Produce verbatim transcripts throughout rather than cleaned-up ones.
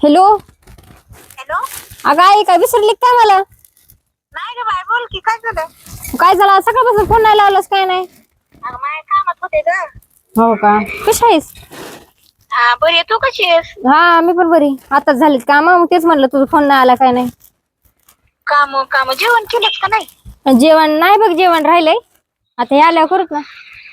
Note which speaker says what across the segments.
Speaker 1: Hello.
Speaker 2: Hello.
Speaker 1: अगं आई काय विसरली काय मला?
Speaker 2: नाही ग बाय, बोल की, काय झालं?
Speaker 1: काय झालं सकाळपासून फोन नाही लावलास काय नाही?
Speaker 2: अगं माझ्या कामात होते ग.
Speaker 1: हो का, कशी आहेस?
Speaker 2: हा बरी आहे, तू कशी आहेस?
Speaker 1: हा मी पण बरी. आताच झालीत काम, मग तेच म्हणलं तुझा फोन नाही आला काय नाही.
Speaker 2: काम काम जेवण केलंच का नाही?
Speaker 1: जेवण नाही बघ, जेवण राहिलंय. आता हे आल्यावर करूत ना.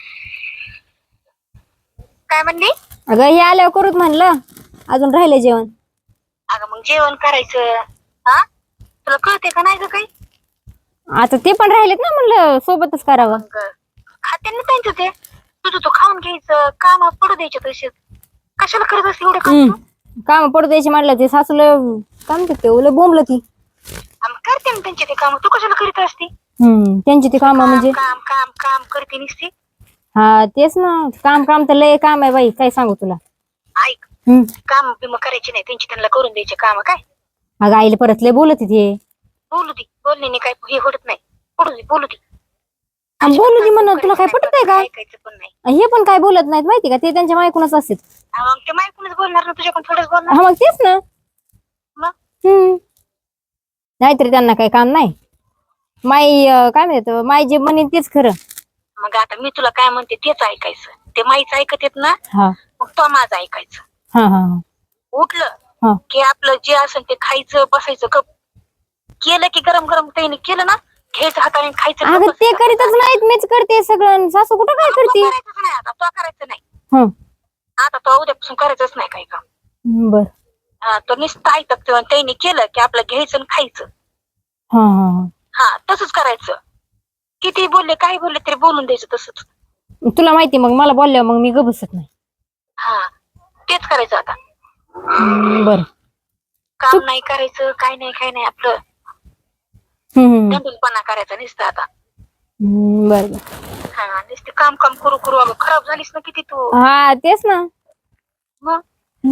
Speaker 2: काय म्हणली?
Speaker 1: अगं हे आल्यावर करूत म्हणलं, अजून राहिलंय जेवण.
Speaker 2: अगं मग जेवण करायचं. हा तुला कळते का नाही ग काही?
Speaker 1: आता ते पण राहिलेत ना, म्हणलं सोबतच करावं.
Speaker 2: मग खाते ना त्यांचं ते, तुझं तू खाऊन घ्यायचं, काम पडू द्यायचे तसेच. कशाला करत असते एवढे काम तू?
Speaker 1: काम पडू द्यायची म्हणलं, ते सासूला काय म्हणतात ते ओलं बोंबलं ती.
Speaker 2: आम्ही करते ना त्यांचे ते काम, तू कशाला करीत असती?
Speaker 1: हम्म त्यांची ती काम म्हणजे
Speaker 2: काम काम काम करते नुसती.
Speaker 1: हा तेच ना, काम काम तर लय काम आहे बाई, काय सांगू तुला.
Speaker 2: ऐक,
Speaker 1: हम्म
Speaker 2: काम बिम करायचे नाही, त्यांची त्यांना करून द्यायचे काम. काय
Speaker 1: अगं आईला परत लय बोलत ते.
Speaker 2: बोलू दे, बोलण्याने काही हे होत नाही. बोलू दे बोलू दे.
Speaker 1: आणि बोलू दे म्हणून तुला काय पटत आहे का?
Speaker 2: ऐकायचं पण नाही.
Speaker 1: हे पण काय बोलत नाहीत माहिती का, ते त्यांच्या मायकूनच असतात.
Speaker 2: मग ते मायकूनच बोलणार ना, तुझ्याकडून थोडंच बोलणार.
Speaker 1: हा मग तेच ना.
Speaker 2: मग
Speaker 1: हम्म नाहीतरी त्यांना काही काम नाही. माई काय म्हणतात, माई जे म्हणेन तेच खरं.
Speaker 2: मग आता मी तुला काय म्हणते तेच ऐकायचं. ते माईच ऐकत येत ना,
Speaker 1: हा
Speaker 2: मग तो माझं ऐकायचं.
Speaker 1: हा हा
Speaker 2: उठलं
Speaker 1: हा
Speaker 2: की आपलं जे असेल ते खायचं, बसायचं. गप केलं की गरम गरम त्याने केलं ना, घ्यायचं हाताने खायचं.
Speaker 1: अगं ते करीतच नाहीत, मीच करते सगळं. सासू कुठं काय करते?
Speaker 2: करायचंच नाही आता, तो करायचं नाही.
Speaker 1: हं
Speaker 2: आता तो उद्यापासून करायचंच नाही काही काम.
Speaker 1: बर.
Speaker 2: हा तो नुसतं ऐकत, त्याने केलं की आपलं घ्यायचं आणि खायचं.
Speaker 1: हा हा
Speaker 2: हा तसंच करायचं. किती बोलले काही बोलले तरी बोलून द्यायचं तसंच.
Speaker 1: तुला माहिती मग मला बोलल्यावर मग मी ग बसत नाही.
Speaker 2: हा तेच करायचं आता.
Speaker 1: बर.
Speaker 2: काम नाही करायचं, काय नाही काय नाही आपलं.
Speaker 1: हम्म
Speaker 2: दंडूलपणा करायचा नुसतं आता.
Speaker 1: बर बर.
Speaker 2: हा नुसतं काम काम करू करू अगं खराब झालीस ना किती तू.
Speaker 1: हा तेच ना.
Speaker 2: मग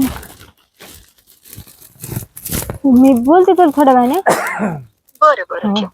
Speaker 1: मी बोलते तर थोड्या वेळाने.
Speaker 2: बरं बरं ठेव.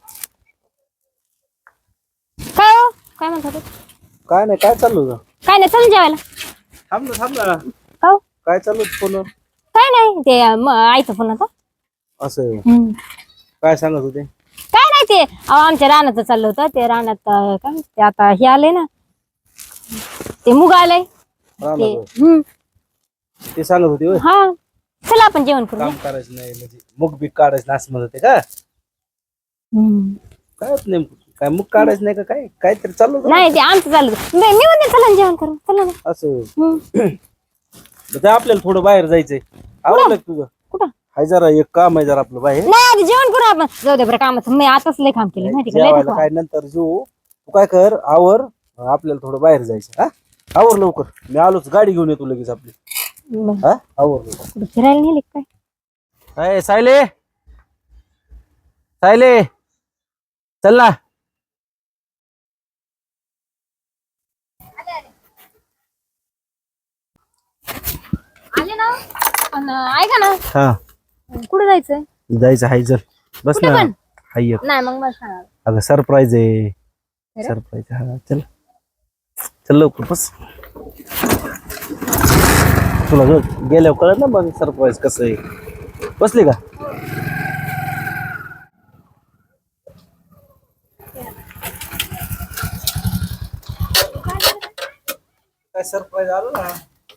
Speaker 1: काय हो, काय म्हणत होते?
Speaker 3: काय नाही, काय चालू होतं?
Speaker 1: काय नाही, चल जेवायला.
Speaker 3: थांब ना थांब ना.
Speaker 1: हो
Speaker 3: काय चालू होतं फोन?
Speaker 1: काय नाही, ते आईचा फोन होता.
Speaker 3: असं
Speaker 1: हम्म.
Speaker 3: काय सांगत होते?
Speaker 1: काय नाही, ते अहो आमच्या रानाचं चाललं होतं. ते रानात काय ते आता हे आले ना, ते मुग आलंय ते.
Speaker 3: रानात
Speaker 1: हम्म
Speaker 3: ते सांगत होते होय?
Speaker 1: हा चला आपण जेवण करू.
Speaker 3: काम करायचं नाही म्हणजे मुग बीक काढायचं नाही असं म्हणत होते का?
Speaker 1: हम्म.
Speaker 3: काय होत नेमकं? काय मुग काढायचं नाही का? काय काहीतरी चालू होतं ना?
Speaker 1: नाही ते आमचं चाललं होतं. मी मी म्हणते चला ना जेवण करू, चला ना.
Speaker 3: असं
Speaker 1: हम्म.
Speaker 3: ते आपल्याला थोडं बाहेर जायचंय. आवडलं का तुझं?
Speaker 1: कुठं?
Speaker 3: हाय जरा एक काम आहे जरा आपलं बाहेर.
Speaker 1: नाही आधी जेवण करू आपण. जाऊ दे बरं, कामाचं मी आताच लय काम केलं माहिती का, लय
Speaker 3: जेवायला
Speaker 1: थकवा.
Speaker 3: काय नंतर जेवू. तू काय कर, आवर, आपल्याला थोडं बाहेर जायचं. हा आवर लवकर, मी आलोच, गाडी घेऊन येतो लगेच आपली.
Speaker 1: बरं.
Speaker 3: हा आवर लवकर.
Speaker 1: कुठं फिरायला नेले काय?
Speaker 3: अय सायले, सायले चल ना.
Speaker 1: आले ना. पण ऐका ना,
Speaker 3: हा
Speaker 1: कुठे जायचंय?
Speaker 3: जायचं हाय, चल बस
Speaker 1: कुठे
Speaker 3: ना.
Speaker 1: पण?
Speaker 3: हाय एक.
Speaker 1: नाही मग मला सांगा.
Speaker 3: अगं सरप्राईज आहे.
Speaker 1: अरे?
Speaker 3: सरप्राईज. हा चल चल लवकर बस. तुला गेल्यावर कळत ना मग सरप्राईज कसं आहे. बसली का? काय सरप्राईज आलो ना.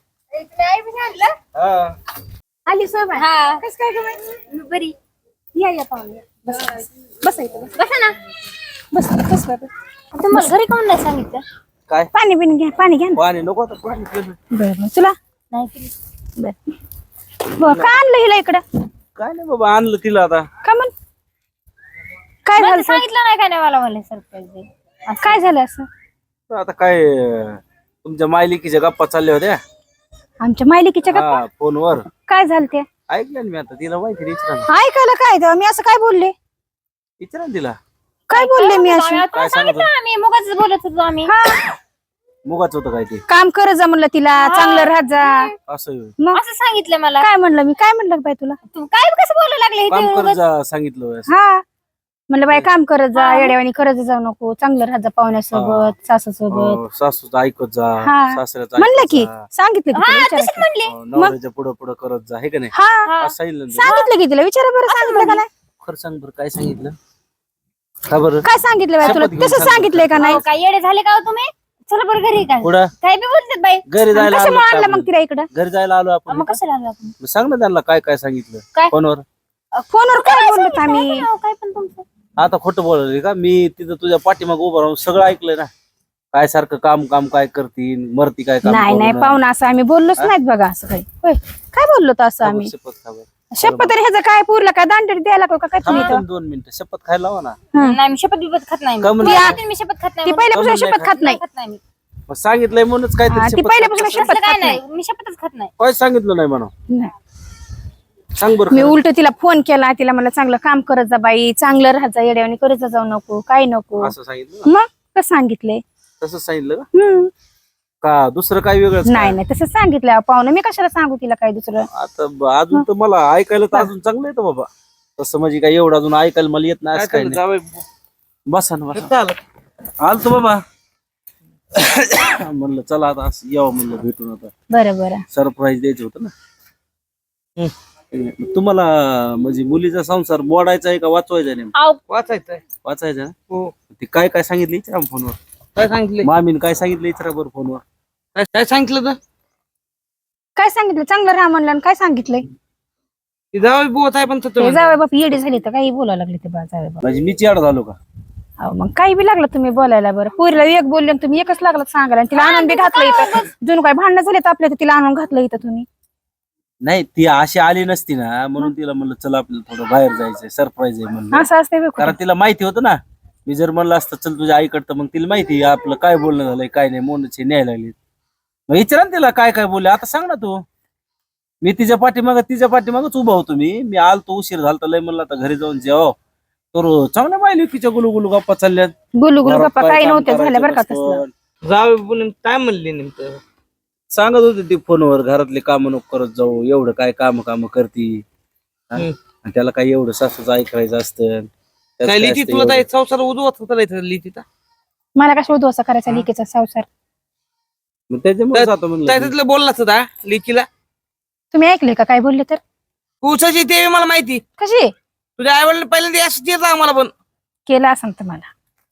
Speaker 3: हा
Speaker 1: आली सोबत. हा कसं काय गं? बरी. या या पाहुणे. बस बस इथं बस. बसा ना. बस बस बाबा. तुम्हाला घरी कोण नाही सांगितलं?
Speaker 3: काय
Speaker 1: पाणी बिन घ्या, पाणी घ्या ना.
Speaker 3: पाणी नको आता, पाणी पिलं.
Speaker 1: बरं तुला नाही. बर का आणलं हिला इकडं?
Speaker 3: काय नाही बाबा, आणलं तिला आता.
Speaker 1: का म्हण? काय झालं? सांगितलं नाही काय नाही मला मला सरप्राईज. काय झालं असं?
Speaker 3: आता काय अं, तुमच्या मायलिकीच्या गप्पा चालल्या होत्या.
Speaker 1: आमच्या मायलिकीच्या गप्पा?
Speaker 3: हा फोनवर
Speaker 1: काय झालं ते?
Speaker 3: ऐकलं ना मी. आता तिला माहिती नाही, विचारा ना.
Speaker 1: ऐकायला काय तेव्हा मी असं काय बोलले?
Speaker 3: विचारा ना तिला.
Speaker 1: काय बोलले मी असं?
Speaker 3: काय सांगत होते?
Speaker 1: आम्ही मुगाच बोलत होतो आम्ही.
Speaker 3: मुगाच होतं काय ते?
Speaker 1: काम कर जा म्हणलं तिला, चांगलं राहत जा.
Speaker 3: असं होय.
Speaker 1: मग असं सांगितलं मला. काय म्हणलं मी? काय म्हणलं बाई तुला? तू काय कसं बोलायला लागले?
Speaker 3: काम कर जा सांगितलं होय असं.
Speaker 1: हा म्हणलं बाई काम करत जा, येड्यावानी करत जाऊ नको, चांगलं राहत जा पाहुण्यासोबत, सासूसोबत.
Speaker 3: अं, सासूचं ऐकत जा,
Speaker 1: हा.
Speaker 3: सासऱ्याचं
Speaker 1: म्हणलं
Speaker 3: ऐकत
Speaker 1: की
Speaker 3: जा.
Speaker 1: सांगितलं की
Speaker 2: हा
Speaker 1: तिला
Speaker 2: तशीच
Speaker 1: विचारा.
Speaker 2: म्हणली.
Speaker 3: अं, नवऱ्याच्या पुढं पुढं करत जा, हे का नाही?
Speaker 1: हा
Speaker 3: असं सांगितलं ना.
Speaker 1: सांगितलं की तिला विचारा बरं, सांगितलं का नाही?
Speaker 3: खरं सांग बरं, काय सांगितलं का बरं?
Speaker 1: काय सांगितलं बाई तुला?
Speaker 3: शपथ घेऊन
Speaker 1: तसं
Speaker 3: सांग.
Speaker 1: सांगितलंय का नाही?
Speaker 2: अहो, काय येडे झाले का हो तुम्ही? चला बरं घरी काय
Speaker 3: पुढं
Speaker 2: काय बी बोलतात बाई.
Speaker 3: घरी जायला आलो
Speaker 1: कशामुळे
Speaker 3: का
Speaker 1: आणलं मग
Speaker 3: आपण?
Speaker 1: तिला इकडं?
Speaker 3: घरी जायला आलो आपण
Speaker 2: मग कशाला आलो आपण?
Speaker 3: मग सांग ना त्यांना काय काय सांगितलं
Speaker 2: काय?
Speaker 3: फोनवर.
Speaker 1: फोनवर काय बोललो आम्ही?
Speaker 2: अहो, काय पण तुमचं
Speaker 3: आता खोटं बोलले का? मी तिथं तुझ्या पाठीमाग उभं राहून सगळं ऐकलंय ना. काय सारखं काम काम काय करतील, मरती काय काम
Speaker 1: नाही
Speaker 3: करू
Speaker 1: नाही
Speaker 3: नये.
Speaker 1: पाहुणा असं आम्ही बोललोच नाहीत बघा असं काही. होय काय बोललो तर असं आम्ही?
Speaker 3: शपथ खा बरं.
Speaker 1: शपथ तरी ह्याचं काय पुरलं काय दांडरी द्यायला का काय तुम्ही
Speaker 3: थांब
Speaker 1: इथं?
Speaker 3: तुम्ही दोन मिनिटं शपथ खायला लावा ना.
Speaker 2: नाही मी शपथ बिपत खात नाही.
Speaker 3: का म्हणून?
Speaker 2: तुम्हाला माहिती आहे मी शपथ खात नाही
Speaker 1: ती
Speaker 2: म्हणून.
Speaker 1: पहिल्यापासून
Speaker 3: कमून
Speaker 1: शपथ खात नाही.
Speaker 2: खात नाही मी.
Speaker 3: मग सांगितलंय म्हणूनच
Speaker 1: हा,
Speaker 3: काहीतरी
Speaker 1: ती
Speaker 3: शपथ
Speaker 1: पहिल्यापासून
Speaker 3: खात
Speaker 1: शपथ
Speaker 2: असलं काय
Speaker 1: खात नाही.
Speaker 2: नाही मी शपथच खात नाही.
Speaker 3: काय सांगितलं नाही म्हणा.
Speaker 1: नाही.
Speaker 3: सांग बरं
Speaker 1: मी
Speaker 3: खरं.
Speaker 1: उलट तिला फोन केला, तिला मला चांगलं काम करत जा बाई, चांगलं राहत जा, येड्यावानी करत जा जाऊ नको, काय नको.
Speaker 3: असं सांगितलं
Speaker 1: मग कसं सांगितलंय?
Speaker 3: तसं सांगितलं का?
Speaker 1: हम्म
Speaker 3: का दुसरं काय वेगळंच
Speaker 1: नाही
Speaker 3: काय?
Speaker 1: नाही तसं सांगितलं पाहुणं, मी कशाला सांगू तिला काय दुसरं?
Speaker 3: आता ब- अजून तर मला ऐकायला तर अजून चांगलं येतं बाबा. तसं म्हणजे काय एवढं अजून ऐकायला मला येत नाही असं काही नाही. बसा ना बसा. आलतो बाबा. म्हणलं चला आता असं यावं म्हणलं भेटून आता.
Speaker 1: बरं बरं.
Speaker 3: सरप्राईज द्यायचं होतं ना. तुम्हाला म्हणजे मुलीचा संसार मोडायचा आहे का वाचवायचा आहे?
Speaker 2: अहो,
Speaker 4: वाचायचंय.
Speaker 3: वाचायचा ना?
Speaker 4: हो.
Speaker 3: ते काय काय सांगितलं विचारा फोनवर.
Speaker 4: काय सांगितलं?
Speaker 3: मामीन काय सांगितलं विचारा बरं फोनवर.
Speaker 4: काय काय सांगितलं तर
Speaker 1: काय सांगितलं? चांगलं राहा म्हणलं आणि काय सांगितलंय?
Speaker 4: ती जावई बोत आहे पण
Speaker 1: ते जावे बाप येडी झाली तर काही बोलायला लागले ते बा जावे बाप.
Speaker 3: म्हणजे मी चिड झालो का?
Speaker 1: अहो मग काही बी लागलं तुम्ही बोलायला. बरं पोरीला एक बोलले आणि तुम्ही एकच लागलं सांगायला आणि तिला आणून बी घातलं इथं. जणू काय भांडणं झाले तर आपल्या तिला आणून घातलं इथं तुम्ही.
Speaker 3: नाही ती अशी आली नसती ना म्हणून तिला म्हणलं चला आपल्याला थोडं बाहेर जायचंय, सरप्राईज आहे म्हणलं.
Speaker 1: असं असते बी
Speaker 3: कारण तिला माहिती होतं ना. मी जर म्हणलं असतं चल तुझ्या आईकडं, मग तिला माहिती आहे आपलं काय बोलणं झालंय काय नाही, मोनचे न्यायला लागले. मग विचारा ना तिला काय काय बोलले. आता सांग ना तू. मी तिच्या पाठीमाग तिच्या पाठीमागच उभा होतो. मी मी आलतो उशीर झालता लय म्हणलं आता घरी जाऊन जेव तर चांगल्या माहिती तिच्या गुलू गुलू गप्पा चालल्यात.
Speaker 1: गुलू गुलू
Speaker 3: घरात
Speaker 1: गप्पा
Speaker 3: काय
Speaker 1: काही
Speaker 3: काम
Speaker 1: नव्हते झाल्या बरं का
Speaker 3: करायचं
Speaker 1: तसलं.
Speaker 3: नसतं.
Speaker 4: जावई बोलून काय म्हणले नेमकं?
Speaker 3: सांगत होते ती फोनवर घरातले काम नको करत जाऊ, एवढं काय काम काम करती हा?
Speaker 4: हम्म.
Speaker 3: आणि त्याला काय एवढं सासूचं ऐकायचं असतं. त्याचं
Speaker 4: काय
Speaker 3: काय
Speaker 4: लिहिती
Speaker 3: असतं
Speaker 4: तुला
Speaker 3: एवढं?
Speaker 4: काय संसार उजवत होता इथं लिहितीचा?
Speaker 1: मला कशा उद्ध्वस्त करायचा लिकेचा संसार?
Speaker 3: मग त्याच्यामुळे जातो म्हणलं.
Speaker 4: काय तिथलं बोललाच होता लिखीला?
Speaker 1: तुम्ही ऐकले का काय बोलले तर?
Speaker 4: कुसाची ते मला माहिती.
Speaker 1: कशी
Speaker 4: तुझ्या आई वडील पहिल्यांदा असं देत आम्हाला पण.
Speaker 1: केलं असं तुम्हाला?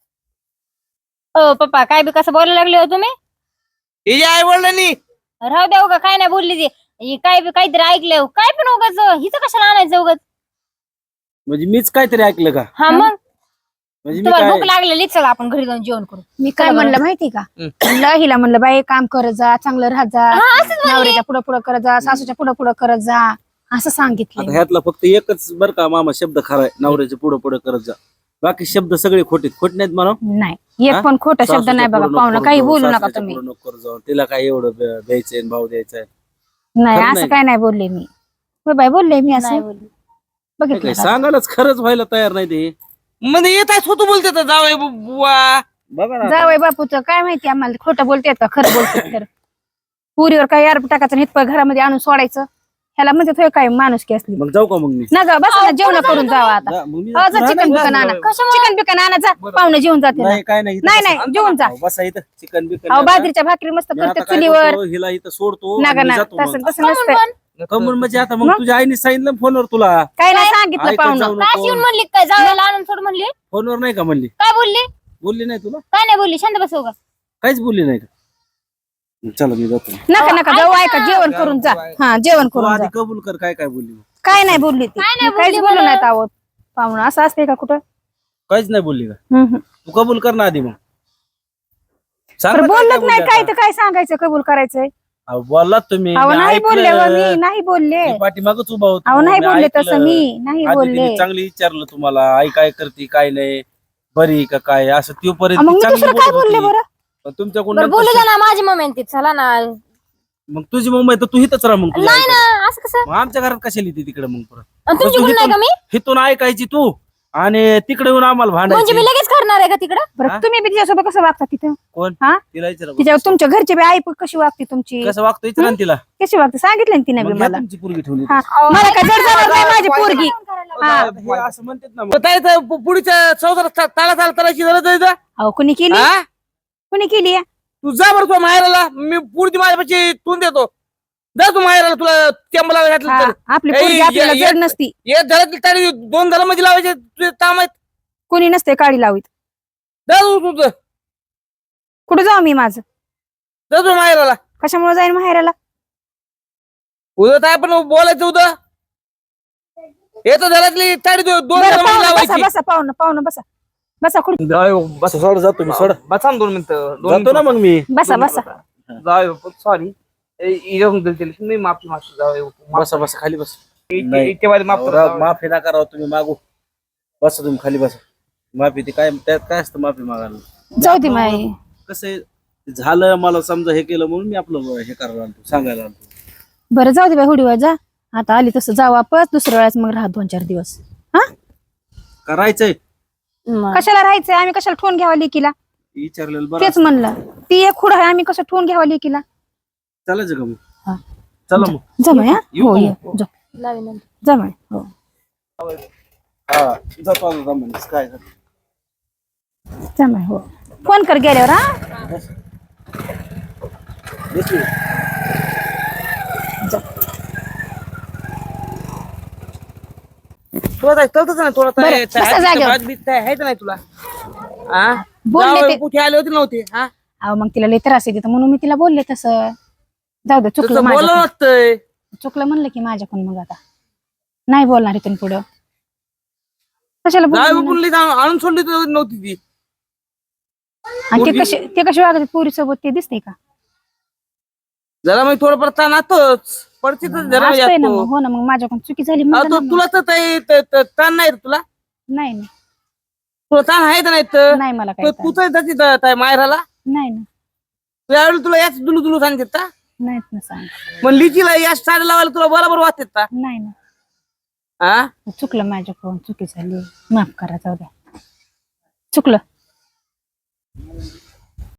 Speaker 2: अहो, पप्पा काय बी कसं बोलायला लागले हो तुम्ही?
Speaker 4: हिच्या आई वडिलांनी
Speaker 2: राहू द्या उगा काय नाही बोलली ती. ही काय बी काहीतरी ऐकलं हो. काय पण उगाच हिचं कशाला आणायचं उगाच?
Speaker 3: म्हणजे मीच काहीतरी ऐकलं का?
Speaker 2: हा मग
Speaker 3: म्हणजे मी
Speaker 2: तुम्हाला
Speaker 3: काय
Speaker 2: भूक लागलेली चला आपण घरी जाऊन जेवण करू.
Speaker 1: मी काय म्हणलं माहिती का? म्हणलं हिला म्हणलं बाई काम करत जा, चांगलं राहत जा, नवऱ्याच्या पुढं पुढं करत जा, सासूच्या पुढं पुढं करत जा, असं
Speaker 3: आता
Speaker 1: सांगितलं.
Speaker 3: ह्यातला फक्त एकच बर का मामा शब्द खरा आहे, नवऱ्याचे पुढे पुढे करत जा. बाकी शब्द सगळे खोटे खोट नाहीत म्हणा.
Speaker 1: नाही एक पण खोटा शब्द नाही बघा पाहुणं, काही बोलू नका तुम्ही.
Speaker 3: नको जाऊ तिला काय एवढं ब- द्यायचंय आणि भाव द्यायचाय.
Speaker 1: नाही
Speaker 3: खरं
Speaker 1: असं
Speaker 3: नाही.
Speaker 1: काय नाही बोलले मी. होय बाई बोलले मी
Speaker 2: नाही
Speaker 1: असं
Speaker 2: बोलली.
Speaker 1: बघितलं
Speaker 3: काय
Speaker 1: का?
Speaker 3: सांगायलाच खरंच व्हायला तयार नाही ते.
Speaker 4: म्हणजे येत आहे होतो बोलते तर जावई बुवा.
Speaker 3: बघा ना.
Speaker 1: जावई बापूचं काय माहिती आम्हाला, खोटं बोलतेत का खरं बोलतेत तर. पुरीवर काय यार टाकायचं हित घरामध्ये आणून सोडायचं, ह्याला म्हणजे थोडं काय माणुसकी असली.
Speaker 3: मग जाऊ का मग मी?
Speaker 1: ना जा बस ना जेवण करून जावा आता.
Speaker 3: जा, मग मी
Speaker 1: अहो, जा
Speaker 3: जातो.
Speaker 1: चिकन बिकन आणा, चिकन बिकन आणा, जा पाहुणे जेवून जाते ना.
Speaker 3: नाही काय नाही इथं
Speaker 1: नाही
Speaker 3: बसा.
Speaker 1: नाही जेवून जा.
Speaker 3: अहो, बसा इथं चिकन बिकन
Speaker 1: अहो
Speaker 3: नाही का?
Speaker 1: बाजरीच्या भाकरी मस्त
Speaker 3: मी आता
Speaker 1: करते
Speaker 3: काय
Speaker 1: चुलीवर.
Speaker 3: करतो, हिला इथं सोडतो
Speaker 1: नका
Speaker 3: आणि मी
Speaker 1: ना
Speaker 3: जातो
Speaker 1: तसं
Speaker 3: मग.
Speaker 1: तसं नसतं.
Speaker 3: कमून म्हणजे आता मग
Speaker 1: मग?
Speaker 3: तुझ्या आईने सांगितलं ना फोनवर तुला.
Speaker 1: काय नाही सांगितलं
Speaker 3: ऐकत
Speaker 1: पाहुणं.
Speaker 3: जाऊ
Speaker 2: काय येऊन
Speaker 3: नको.
Speaker 2: म्हणली काय जावयाला आणून सोड म्हणली?
Speaker 3: फोनवर नाही का म्हणली?
Speaker 2: काय बोलली?
Speaker 3: बोलली नाही तुला?
Speaker 2: काय नाही बोलली. शांत बसव का?
Speaker 3: काहीच बोलली नाही का? चला मी जातो.
Speaker 1: नका नका जाऊ, ऐका जेवण करून जा. हा जेवण
Speaker 3: तू
Speaker 1: करून जा.
Speaker 3: आधी कबूल कर काय काय बोलली.
Speaker 1: काय नाही बोलली ती,
Speaker 2: काय नाही
Speaker 1: मी काहीच
Speaker 2: बोलली
Speaker 1: बोलू
Speaker 2: मला.
Speaker 1: नाहीत आहोत पाहुणं. असं असते का कुठं?
Speaker 3: काहीच नाही बोलली का?
Speaker 1: हम्म, हम्म.
Speaker 3: तू कबूल कर ना आधी मग. सांग
Speaker 1: बरं
Speaker 3: ना काय काय
Speaker 1: बोललंच नाही
Speaker 3: बोलली
Speaker 1: काय
Speaker 3: आता.
Speaker 1: तर काय सांगायचं कबूल करायचंय?
Speaker 3: अहो, बोललात तुम्ही.
Speaker 1: अहो
Speaker 3: मी
Speaker 1: नाही
Speaker 3: ऐकलं.
Speaker 1: बोलले व मी नाही बोलले.
Speaker 3: मी पाठीमागच उभा होतो.
Speaker 1: अहो नाही
Speaker 3: मी
Speaker 1: बोलले
Speaker 3: ऐकलं.
Speaker 1: तसं मी नाही
Speaker 3: आधी
Speaker 1: बोलले.
Speaker 3: तिने चांगली विचारलं तुम्हाला आई काय करते काय नाही, बरी का काय, असं
Speaker 1: अहो, मग
Speaker 3: तोपर्यंत
Speaker 1: मी
Speaker 3: चांगली
Speaker 1: दुसरं काय
Speaker 3: बोलत
Speaker 1: बोलले
Speaker 3: होती.
Speaker 1: बरं?
Speaker 3: पण तुमच्याकडून
Speaker 2: बरं बोलू
Speaker 3: नंतर-
Speaker 2: द्या ना माझी मम्मी आणि ती चला ना.
Speaker 3: मग तुझी मुंबई तर तू हिथच राहा मग तुझ्या
Speaker 2: नाही
Speaker 3: आईकडे.
Speaker 2: ना असं कसं?
Speaker 3: मग आमच्या घरात कशाला येते तिकडे मग परत?
Speaker 2: आणि तुमची
Speaker 3: तू
Speaker 2: गुण नाही का मी?
Speaker 3: हिथून ऐकायची तू आणि तिकडे येऊन आम्हाला
Speaker 1: म्हणजे मी
Speaker 3: भांडायचं
Speaker 1: लगेच करणार आहे का तिकडं?
Speaker 3: हा?
Speaker 5: बरं तुम्ही बी तिच्यासोबत कसं वागता तिथं
Speaker 3: कोण
Speaker 5: हा?
Speaker 3: तिला विचारा बरं.
Speaker 5: तिच्या तुमच्या घरचे बी आई कशी वागते तुमची
Speaker 3: कसं वागतो विचारा ना तिला
Speaker 5: कशी वागते सांगितलं ना तिने बी
Speaker 3: मग घ्या
Speaker 5: मला
Speaker 3: तुमची पोरगी ठेवली
Speaker 5: हा मला काय जड जाणार नाही माझी पोरगी हा
Speaker 3: हे असं म्हणतात ना मग.
Speaker 4: मग काय तर पु- पुढच्या चौदा ताला ताला तालाची गरज आहे का?
Speaker 5: अहो कुणी केली
Speaker 4: हा?
Speaker 5: कुणी केली आहे?
Speaker 4: तू जा बरं तुझ्या माहेराला मी पुढची माझ्यापाशी तून देतो जा तू माहेराला तुला टेंबला घातलं
Speaker 5: हा,
Speaker 4: तर
Speaker 5: आपली
Speaker 4: ए,
Speaker 5: पोरगी
Speaker 4: ये-
Speaker 5: आपल्याला
Speaker 4: ये-
Speaker 5: जड नसती
Speaker 4: एक घरातली तारी दोन घरामध्ये लावायचे तुझे काम आहेत
Speaker 5: कुणी नसते काळी लावीत
Speaker 4: जा तू तुझं
Speaker 5: कुठे जाऊ मी माझं
Speaker 4: जा तू माहेराला
Speaker 5: कशामुळे जाईन माहेराला
Speaker 4: उद्या काय पण बोलायचं उद्या येतो घरातली तारी दो- दोन
Speaker 5: बरं,
Speaker 4: घरामध्ये
Speaker 5: पाहुणं, बसा
Speaker 4: लावायची
Speaker 5: बसा पाहुणं पाहुणं बसा बसा कुठे
Speaker 3: बस सोड जातो मी सोड
Speaker 4: बसा ना दोन मिनिटं
Speaker 3: जातो ना मग मी
Speaker 5: बसा बसा
Speaker 4: जाऊ सॉरी मी माफी मागतो जाऊ
Speaker 3: बसा बसा खाली बस नाही.
Speaker 4: इथे माफ करा
Speaker 3: राव, माफी नका राव तुम्ही मागू बसा तुम्ही खाली बसा माफी ती काय त्यात काय असतं माफी मागायला
Speaker 5: जाऊ दे माई
Speaker 3: कसं आहे, झालं मला समजा हे केलं म्हणून मी आपलं हे करायला आलतो सांगायला आलतो
Speaker 5: बरं जाऊ दे बाई हुडीवर जा आता आली तसं जाऊ वापस दुसऱ्या वेळेस मग राहा दोन चार दिवस हा
Speaker 3: करायचंय
Speaker 5: कशाला राहायचंय आम्ही कशाला ठेवून घ्यावा लेकीला
Speaker 3: विचारलेलं बरं
Speaker 5: तेच म्हणलं ती एक खुड आहे आम्ही कसं ठेवून घ्यावा लेकीला
Speaker 3: चालायचं का
Speaker 5: हा.
Speaker 3: मग चला मग
Speaker 5: जमाय हा
Speaker 3: येऊ
Speaker 5: हो
Speaker 3: का
Speaker 5: ये
Speaker 3: मग?
Speaker 5: जा
Speaker 1: लावी नंतर.
Speaker 5: जमाय हो
Speaker 3: हा जातो आता जमलं. काय झालं?
Speaker 5: जमाय हो फोन कर गेल्यावर हा
Speaker 3: बसू.
Speaker 4: तुला काय कळतच नाही तुला
Speaker 5: बरं, बसा जागेवर.
Speaker 4: आहे नाही तुला हा
Speaker 5: बोलले
Speaker 4: जावई
Speaker 5: ते.
Speaker 4: कुठे आले होते नव्हते हा
Speaker 5: अहो मग तिला लई त्रास येते म्हणून मी तिला बोलले तसं जाऊ दे चुकलं
Speaker 4: तसं बोललं
Speaker 5: माझ्याकडून
Speaker 4: नसतंय
Speaker 5: चुकलं म्हणलं की माझ्याकडून मग आता नाही बोलणार इथून पुढं कशाला
Speaker 4: जावई
Speaker 5: बोलणार?
Speaker 4: बोलली तर आणून सोडली तर नव्हती ती
Speaker 5: आणि ते कसे ते कसे वागते पोरी सोबत ते दिसते का
Speaker 4: जरा मग थोडंफार ताण असतोच पडते तर जरा
Speaker 5: असतंय ना
Speaker 4: जातो.
Speaker 5: मग हो ना मग माझ्याकडून चुकी झाली
Speaker 4: अहो,
Speaker 5: म्हणलं
Speaker 4: तो-
Speaker 5: ना मग.
Speaker 4: तुला तर ताई- त- त- ताण नाही रे तुला
Speaker 5: नाही नाही
Speaker 4: तुला ताण आहे का नाही तर
Speaker 5: नाही मला
Speaker 4: तो
Speaker 5: काय
Speaker 4: तू तर जाती त- ताई माहेराला
Speaker 5: नाही ना
Speaker 4: त्यावेळी तुला याच दुलू दुलू सांगतात का
Speaker 5: नाहीत ना सांग
Speaker 4: मग लिचीला याच साड्या लावायला तुला बरोबर वाटतात का
Speaker 5: नाही ना
Speaker 4: हा
Speaker 5: चुकलं माझ्याकडून चुकी झाली माफ करा जाऊ द्या चुकलं